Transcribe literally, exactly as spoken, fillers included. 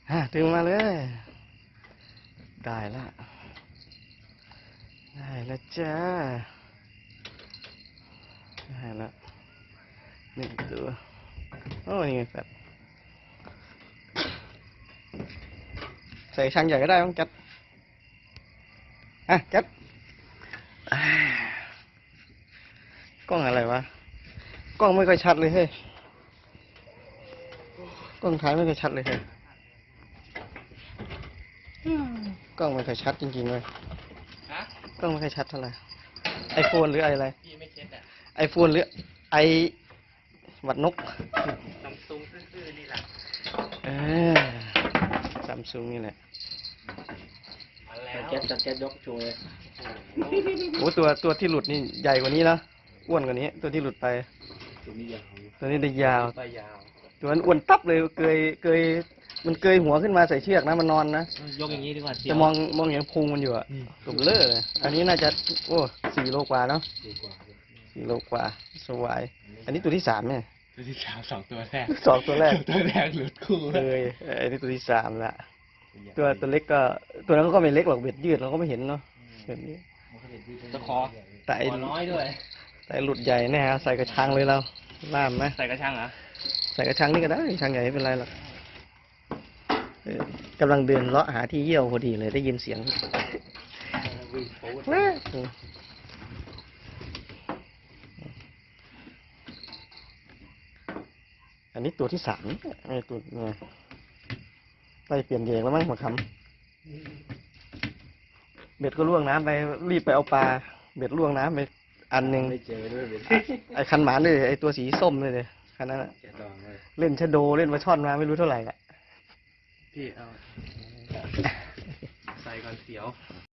ฮะดึงมาเลยได้ละได้แล้วจ้าได้แล้วหนึ่งตัวโอ้นี่ไงแฟดใส่ช่างใหญ่ก็ได้ต้องจัดอ่ะจัดกล้องอะไรวะกล้องไม่ค่อยชัดเลยเฮ้ยกล้องถ่ายไม่ค่อยชัดเลยเฮ้ยกล้องไม่ค่อยชัดจริงๆเลยกล้องไม่ค่อยชัดเท่าไหร่ไอโฟนหรือไออะไรไอโฟนหรือไอวัดนกซัมซุงซื่อๆนี่แหละเออซัมซุงนี่แหละแก๊สจัดแก๊สยกโชว์เลยโอ้ตัวตัวที่หลุดนี่ใหญ่กว่านี้นะอ้วนกว่านี้ตัวที่หลุดไปตัวนี้ยาวตัวนี้ได้ยาวไปยาวตัวนั้นอ้วนตับเลยเกยเกยมันเกยหัวขึ้นมาใส่เชือกนะมันนอนนะยกอย่างนี้ดีกว่าจะมองมองเห็นพุงมันอยู่อะตุ่มเล่อเลยอันนี้น่าจะโอ้สี่โลกว่าเนาะสี่โลกว่าสวายอันนี้ตัวที่สามเนี่ยตัวที่สามสองตัวแรกสองตัวแรกตัวแรกหลุดคู่เลยอันนี้ตัวที่สามละตัวตัวเล็กก็ตัวนั้นก็ไม่เล็กหรอกเบ็ดยืดเราก็ไม่เห็นเนาะแบบนี้ตะคอแต่น้อยด้วยแต่หลุดใหญ่แน่ฮะใส่กระชังเลยเราล่ามไหมใส่กระชังเหรอใส่กระชังนี่ก็ได้กระชังใหญ่ไม่เป็นไรหรอกกำลังเดินเลาะหาที่เยี่ยวพอดีเลยได้ยินเสียงอันนี้ตัวที่สามไอ้ตัวไงไปเปลี่ยนเยงแล้วมั้งมาคำเบ็ดก็ล่วงน้ำไปรีบไปเอาปลาเบ็ดล่วงน้ำไปอันหนึ่งไอ้คันหมานเลยไอ้ตัวสีส้มเลยเลยคันนั้นเล่นชะโดเล่นมาช่อนมาไม่รู้เท่าไหร่แหละพี่เอาใส่ก่อนเสียว